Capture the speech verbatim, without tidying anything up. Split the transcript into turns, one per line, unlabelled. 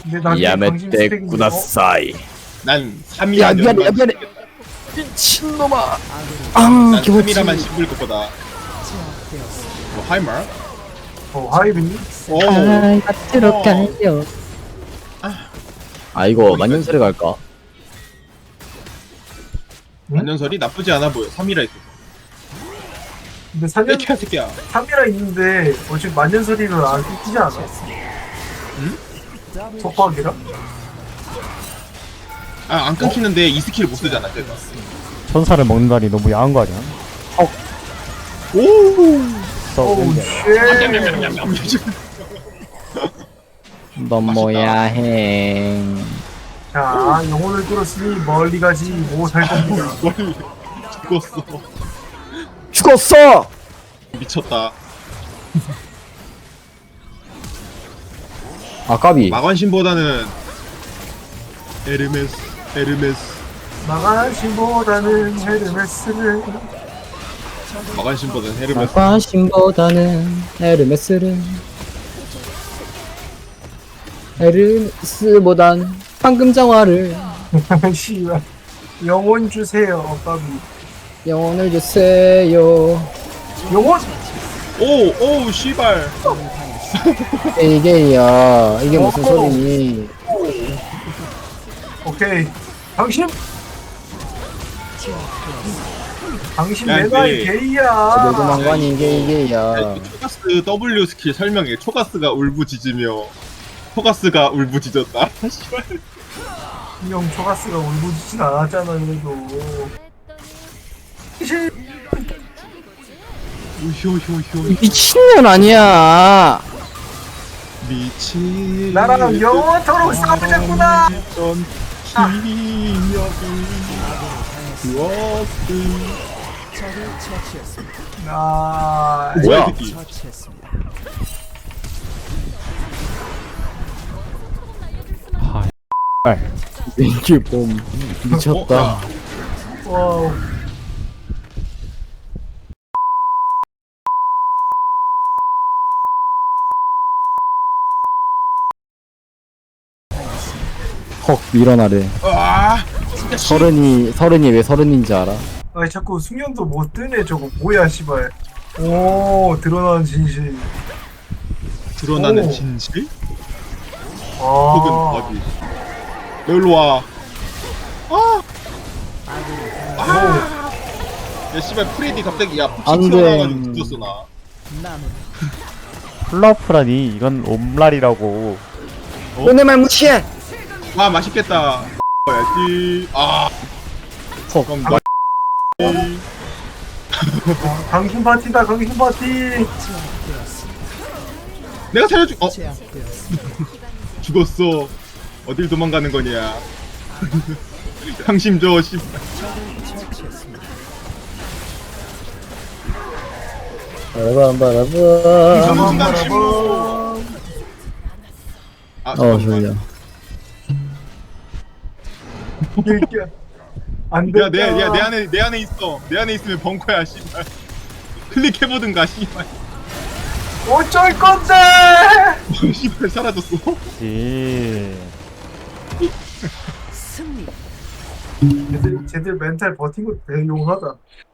근데 나중에 강심
야메떼
스택인데, 어?
구다사이.
난 삼
야
이라
미안해 야 미안해. 미친놈아. 아
난 삼
기분지.
이라만 씹을 것보다. 뭐 하이말?
어, 하이빈?
오.
아, 앞으로 가요.
아 이거 만년설에 갈까?
안전설이 나쁘지 않아 보여. 삼 이라 있어.
근데 사년
새끼야 새끼야.
삼 이라 있는데 어차피 만년설이를 안 끼지 않아?
응?
속박이라?
아 안 끊기는데 이 스킬 못 쓰잖아. 제가.
천사를 먹는다니 너무 야한 거 아니야?
오.
써
오우 쉣.
너무 야행.
자, 영혼을 끌었으니 멀리 가지 못할 겁니다.
뭘 죽었어.
죽었어.
미쳤다.
아 까비.
마관신보다는 에르메스 에르메스
마가신보다는 헤르메스를
마관신보다는 헤르메스.
마과신보다는 에르메스를 에르메스보단 황금장화를
씨발 영혼 주세요, 까비.
영혼을 주세요.
영혼!
오, 오, 씨발.
이게야 이게 무슨
어.
소리니?
오케이. 당신! 당신
야,
내가 이
근데-
게이야.
노도망관이 이게 이게야.
야, 초가스 W 스킬 설명해. 초가스가 울부짖으며 초가스가 울부짖었다. 씨발.
형 초가스가 울부짖진 않았잖아, 그래도.
우효효효
미친년 아니야.
미친.
나랑 영원토록 싸우자꾸나!
전 기억이 기억이.
아,
뭐야?
새끼.
아,
이게 뭐 미쳤다.
어, 야.
와우.
헉 밀어나래.
아, 진짜 씨.
서른이 서른이 왜 서른인지 알아?
아니, 자꾸 숙련도 못 뜨네, 저거. 뭐야, 씨발. 오, 드러나는 진실.
드러나는
오.
진실?
아.
혹은 바비. 너 일로 와. 아. 아. 야 씨발 프레디 갑자기 야
안
폭식
돼.
튀어나와가지고 죽었어 나.
플라프라니 이건 옴랄이라고.
오늘 말 무시해.
아 맛있겠다. 야지. 아.
헉.
그럼 나.
아, 강신 파티다, 강신 파티!
내가 살려주. 어. 죽었어. 어딜 도망가는 거냐. 상심 줘 씨.
바라밤 바라밤.
순간 침묵. 아
어
잠깐만.
졸려.
이게 안 돼.
야, 내, 야, 내 안에, 내 안에 있어. 내 안에 있으면 벙커야, 씨발. 클릭해보든가, 씨발.
어쩔 건데!
씨발, 사라졌어.
지.
쟤들, 쟤들 멘탈 버틴 거 대용하다.